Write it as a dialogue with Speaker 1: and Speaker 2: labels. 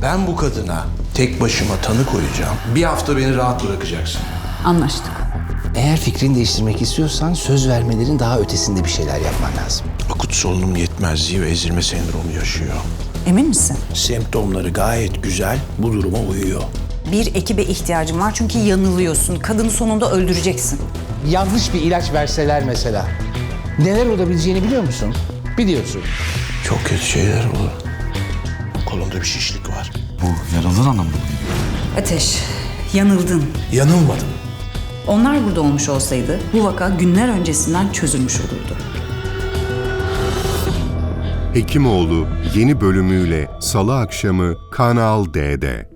Speaker 1: Ben bu kadına tek başıma tanı koyacağım. Bir hafta beni rahat bırakacaksın.
Speaker 2: Anlaştık.
Speaker 3: Eğer fikrini değiştirmek istiyorsan söz vermelerin daha ötesinde bir şeyler yapman lazım.
Speaker 1: Akut solunum yetmezliği ve ezilme sendromu yaşıyor.
Speaker 2: Emin misin?
Speaker 1: Semptomları gayet güzel, bu duruma uyuyor.
Speaker 2: Bir ekibe ihtiyacım var çünkü yanılıyorsun. Kadını sonunda öldüreceksin.
Speaker 3: Yanlış bir ilaç verseler mesela. Neler olabileceğini biliyor musun? Biliyorsun.
Speaker 1: Çok kötü şeyler olur. Kolumda bir şişlik var.
Speaker 4: Bu yaralılar anlamında mı?
Speaker 2: Ateş, yanıldın.
Speaker 1: Yanılmadım.
Speaker 2: Onlar burada olmuş olsaydı bu vaka günler öncesinden çözülmüş olurdu.
Speaker 5: Hekimoğlu yeni bölümüyle Salı akşamı Kanal D'de.